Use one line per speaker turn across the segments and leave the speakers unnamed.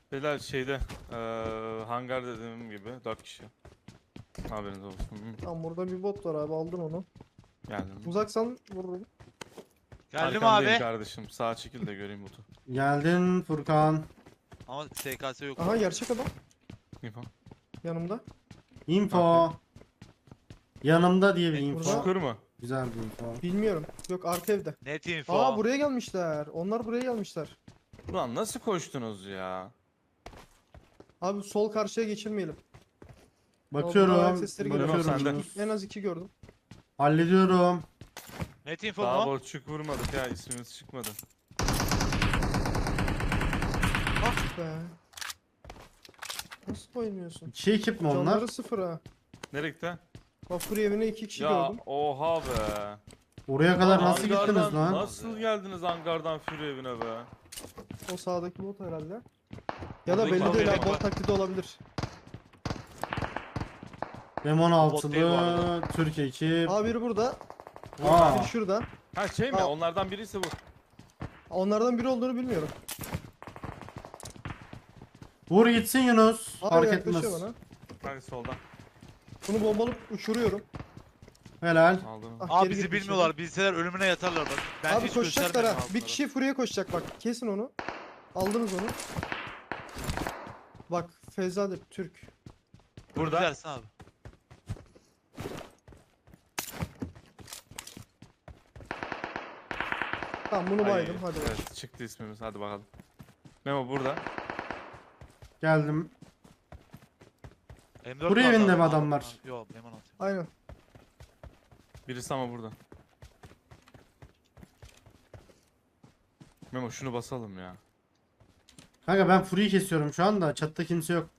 Beyler şeyde hangar dediğim gibi 4 kişi. Haberiniz olsun. Hı,
Tamam burada bir bot var abi aldın onu.
geldim.
Uzaksan vururum.
Geldim
Arkandayım
abi.
kardeşim. Sağa çekil de göreyim botu.
Geldin Furkan.
Ama SKS yok.
Aha gerçek adam
Info.
yanımda.
Info. Yanımda diye bir info.
Çukur mu?
Güzel bir info.
Bilmiyorum. Yok arka evde.
Net info.
Aa buraya gelmişler. Onlar buraya gelmişler.
Ulan nasıl koştunuz ya?
Abi sol karşıya geçirmeyelim. Ayak
Bakıyorum.
sesleri geliyor.
Bakıyorum.
Bakıyorum.
En az 2 gördüm.
Hallediyorum.
Net info
Daha
mu?
borçluk vurmadık ya, ismimiz çıkmadı.
Ah be. Nasıl oynuyorsun?
İki ekip mi onlar?
Canları sıfır ha.
Nereye gitti?
Vapur evine 2 kişi
Ya
gördüm.
oha be.
Oraya kadar nasıl
Hangardan-
gittiniz lan?
Nasıl geldiniz hangardan Fury evine be?
O sağdaki bot herhalde. Ya da
Buradaki
belli
bot
değil
benim
ha bot
var.
taklidi olabilir.
M16'lı
değil bu arada.
Türk ekip.
Aa biri burada.
Aa.
Biri şurada.
Ha şey mi?
Aa.
Onlardan biriyse bu.
Onlardan biri olduğunu bilmiyorum.
Vur gitsin Yunus.
Abi
Fark
yaklaşıyor
etmez.
bana.
Hadi soldan.
Bunu bombalıp uçuruyorum.
Helal.
Aldım.
Ah,
Abi
geri
bizi
gitti
bilmiyorlar. Bilseler ölümüne yatarlar bak. Ben
Abi
hiç
koşacaklar
göstermedim
ha. Bir
altlara.
kişi Fury'e koşacak bak. Kesin onu. Aldınız onu. Bak Feyzade Türk.
Burada.
Güzelsin abi.
Tamam bunu
Ay,
baydım hadi bak.
Evet, çıktı ismimiz, hadi bakalım. Memo burada.
Geldim.
M4
Buraya
vardı
evinde
abi.
mi adamlar?
Yok M16.
Aynen.
Birisi ama burada. Memo şunu basalım ya.
Kanka ben Fury'yi kesiyorum şu anda. Çatıda kimse yok.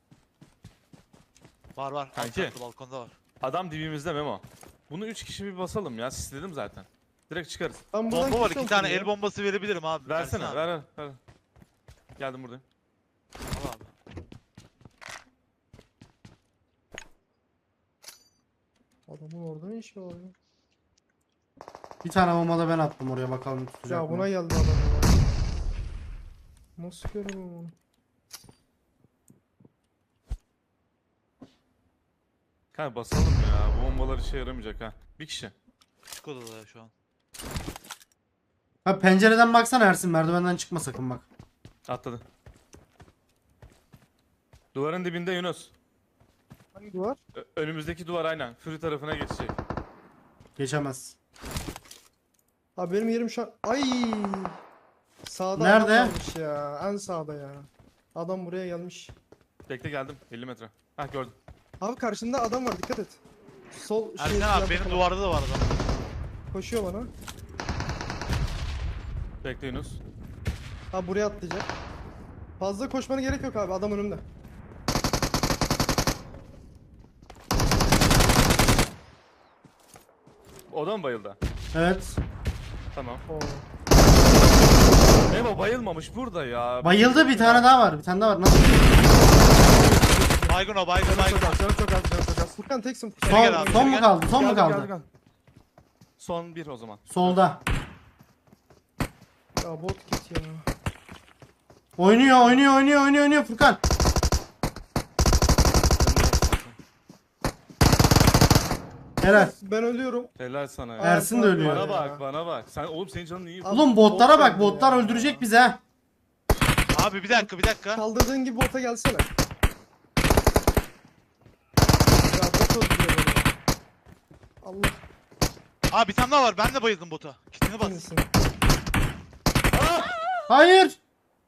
Var var.
Kanki.
Alt katlı balkonda var.
Adam dibimizde Memo. Bunu 3 kişi bir basalım ya, sisledim zaten. Direkt çıkarız.
Ben buradan
Bomba var.
kesiyorum
2 tane
Fury'yi.
el bombası verebilirim abi.
Versene,
Versene
ver, ver. Geldim buradayım.
Al abi.
Adamın orada ne işi var ya?
Bir tane bomba da ben attım oraya, bakalım tutacak
Ya
mı?
buna geldi adam ya. Nasıl göremem onu?
Kanka basalım ya, bu bombalar işe yaramayacak ha. Bir kişi.
Küçük odada ya şu an.
Ha pencereden baksana Ersin, merdivenden çıkma sakın bak.
Atladı. Duvarın dibinde Yunus.
Hangi duvar?
Önümüzdeki duvar aynen. Fury tarafına geçecek.
Geçemez.
Abi benim yerim şu an... Ay! Sağda
Nerede?
adam varmış ya. En sağda ya. Adam buraya gelmiş.
Bekle geldim. 50 metre. Hah gördüm.
Abi karşında adam var dikkat et. Sol
Ersin abi benim duvarda da var adam.
Koşuyor bana.
Bekle Yunus.
Abi buraya atlayacak. Fazla koşmana gerek yok abi adam önümde.
O da mı bayıldı?
Evet.
Tamam.
Oo.
Memo bayılmamış burada ya.
Bayıldı, bir tane daha var. Bir tane daha var. Nasıl?
Baygın o baygın baygın.
Canım çok az, canım çok az.
Furkan teksin Furkan.
Gel
Son,
abi,
son mu
gel.
kaldı? Son mu
Geldim,
kaldı?
geldim. Son bir o zaman.
Solda.
Ya bot git ya.
Oynuyor Furkan. Helal.
Ben ölüyorum.
Helal sana ya.
Ersin de ölüyor.
Bana bak, bana bak. Sen oğlum, senin canın iyi.
Abi,
Oğlum botlara
bot
bak.
geldi
Botlar
ya.
öldürecek bizi ha.
Abi bir dakika.
Kaldırdığın gibi bota gelsene. Ya bot öldürüyor beni. Allah
Abi bir tane daha var. Ben de bayıldım bota. Kitini bas.
kahretsin.
Hayır.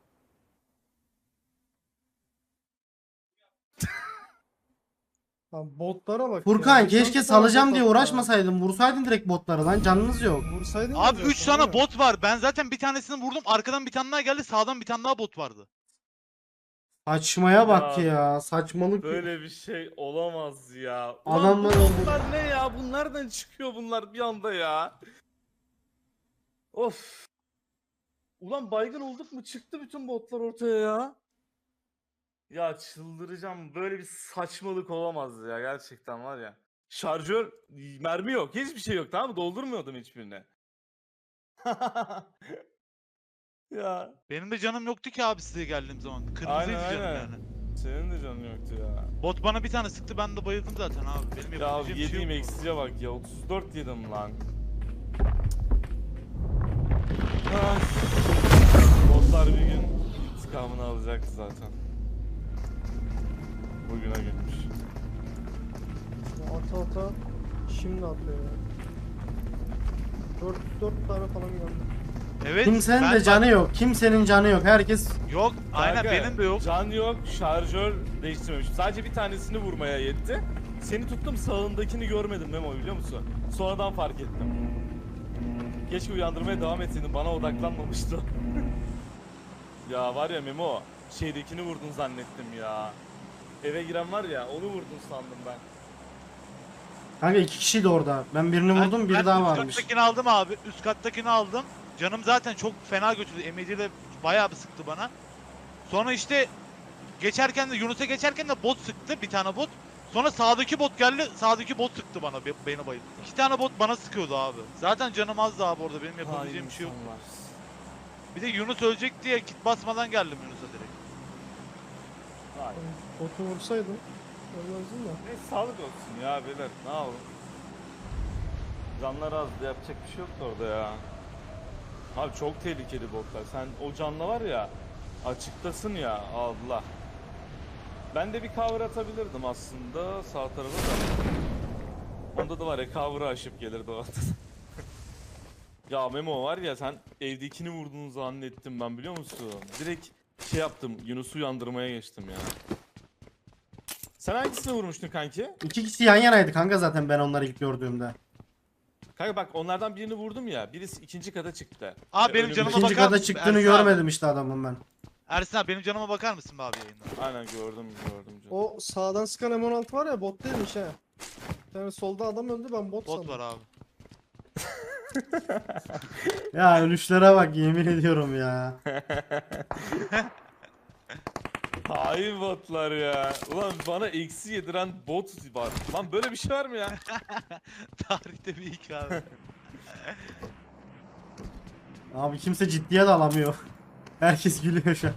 Lan botlara bak
Furkan
ya.
keşke
Şans
salacağım
bot
diye
attı ya.
uğraşmasaydın. Vursaydın direkt botları lan. Canınız yok.
Vursaydın ya
Abi
zaten,
3 tane
değil mi?
bot var. Ben zaten bir tanesini vurdum. Arkadan bir tane daha geldi. Sağdan bir tane daha bot vardı.
Saçmaya bak
Ya.
ya. Saçmalık.
Böyle bir şey olamaz ya.
Adamlar-
Ulan bunlar ne ya? Bunlardan çıkıyor bunlar bir anda ya. Of. Ulan baygın olduk mu? Çıktı bütün botlar ortaya ya. Ya çıldıracağım. Böyle bir saçmalık olamaz ya. Gerçekten var ya. Şarjör, mermi yok. Hiçbir şey yok, tamam mı? Doldurmuyordum hiçbirine. Ya
Benim de canım yoktu ki abi size geldiğim zaman. Kırmızıydı
Aynen,
canım
aynen.
yani.
senin de canın yoktu ya.
Bot bana bir tane sıktı, ben de bayıldım zaten abi. Benim
Ya
yapabileceğim bir şey
yediğim
yok.
eksiye bak ya. 34 yedim lan. Ah. Botlar bir gün intikamını alacaktı zaten. Bugüne gelmiş.
Ata şimdi atıyor ya. 4 tane falan geldi.
Evet.
Kimsenin
ben
de
bak-
canı yok. Kimsenin canı yok. Herkes
Yok. Aynen
Kanka,
benim de yok.
Can yok, şarjör değiştirmemişim. Sadece bir tanesini vurmaya yetti. Seni tuttum, sağındakini görmedim Memo, biliyor musun? Sonradan fark ettim. Keşke uyandırmaya devam etseydin, bana odaklanmamıştı o. Ya var ya Memo, şeydekini vurdun zannettim ya. Eve giren var ya, onu vurdun sandım ben.
kanka 2 kişiydi orada. Ben birini vurdum, biri
ben
daha
üst
varmış.
kattakini aldım abi. Üst kattakini aldım. Canım zaten çok fena götürdü. Emici de bayağı bir sıktı bana. Sonra işte geçerken de Yunus'a geçerken de bot sıktı. Bir tane bot. Sonra sağdaki bot geldi. Sağdaki bot sıktı bana. Beni bayıldı. 2 tane bot bana sıkıyordu abi. Zaten canım azdı abi orada. Benim yapabileceğim bir şey yok.
insanlar.
Bir de Yunus ölecek diye kit basmadan geldim Yunus'a direkt.
Vay.
Botu vursaydım. Ölmezdim de.
Neyse sağlık olsun ya beyler, ne yapalım. Canlar azdı, yapacak bir şey yoktu orada ya. Abi çok tehlikeli botlar. Sen o canla var ya, açıktasın ya, Allah. Ben de bir cover atabilirdim aslında sağ tarafa da. Onda da var ya, cover'ı aşıp gelirdi o anda. Ya Memo var ya, sen evdekini vurduğunu zannettim ben, biliyor musun? Direkt şey yaptım, Yunus'u uyandırmaya geçtim ya. Sen hangisini vurmuştun kanki?
2 kişi yan yanaydı kanka zaten ben onları ilk gördüğümde.
Kanka bak, onlardan birini vurdum ya, birisi ikinci kata çıktı.
Abi benim
önümde-
canıma
İkinci
bakar
kata
mısın?
çıktığını
Ersin abi.
görmedim işte adamın ben.
Ersin abi benim canıma bakar mısın be abi yayında?
Aynen gördüm canım.
O sağdan sıkan M16 var ya, bot değilmiş ha. Yani solda adam öldü, ben bot
Bot
sandım.
var abi.
Ya ölüşlere bak yemin ediyorum ya.
Hain botlar ya. Ulan bana eksi yediren bot var. Lan böyle bir şey var mı ya?
Tarihte bir ilk abi.
Abi kimse ciddiye de alamıyor. Herkes gülüyor şu an.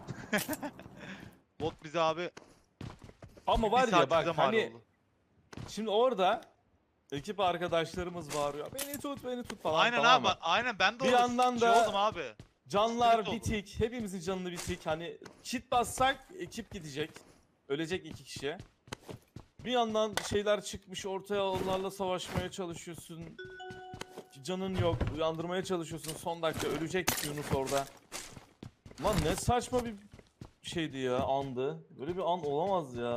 Bot bize abi
Ama
bir
var ya
saat
bak
bize mal
hani
oldu.
şimdi orada ekip arkadaşlarımız bağırıyor. Beni tut, beni tut falan,
Aynen
tamam
abi.
mı?
Aynen ben de
Bir
orada
yandan
şey
da-
oldum abi.
Canlar
Sıkıntı oldu.
bitik. Hepimizin canını bitik. Hani kit bassak ekip gidecek. Ölecek 2 kişi. Bir yandan şeyler çıkmış ortaya, onlarla savaşmaya çalışıyorsun. Canın yok. Uyandırmaya çalışıyorsun. Son dakika ölecek Yunus orada. Lan ne saçma bir şeydi ya, andı. Böyle bir an olamaz ya.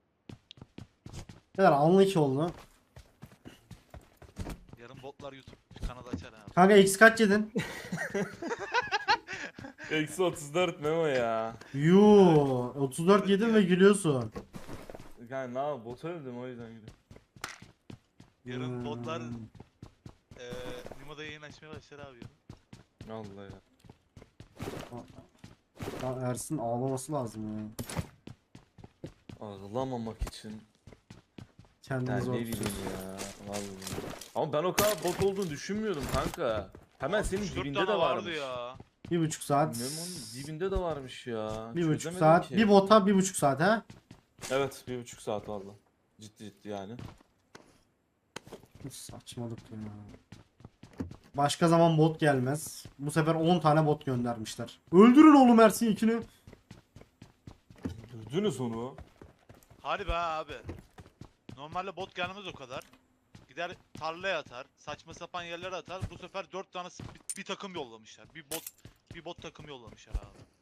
Neler anlı 2 oldu.
Yarın botlar YouTube kanalı açar abi.
Kanka X kaç yedin?
Eksi 34 Memo ya.
Yuu 34 yedin ve gülüyorsun.
Yani ne yapayım, bota öldüm o yüzden gülüyorum.
Yarın botlar
Hmm.
Nimo'da yayın açmaya başlar abi yarın.
Allah ya.
Ya Ersin ağlaması lazım ya.
Ağlamamak için.
Kendini
Yani
zor
ne bileyim
tutuyorsun.
ya. Vallahi. Ama ben o kadar bot olduğunu düşünmüyordum kanka. Hemen senin
64
dibinde
tane
de
vardı
varmış.
ya.
1,5 saat.
Memo'nun dibinde de varmış ya.
1,5
Çözemedim
saat.
ki.
Bir bota 1,5 saat ha?
Evet, 1,5 saat valla. Ciddi yani.
Saçmalık ya. Başka zaman bot gelmez. Bu sefer 10 tane bot göndermişler. Öldürün oğlum Ersin ikini.
Gördünüz onu.
Hadi be abi. Normalde bot gelmez o kadar. Gider tarlaya atar, saçma sapan yerlere atar. Bu sefer 4 tane bir takım yollamışlar. Bir bot takım yollamışlar abi.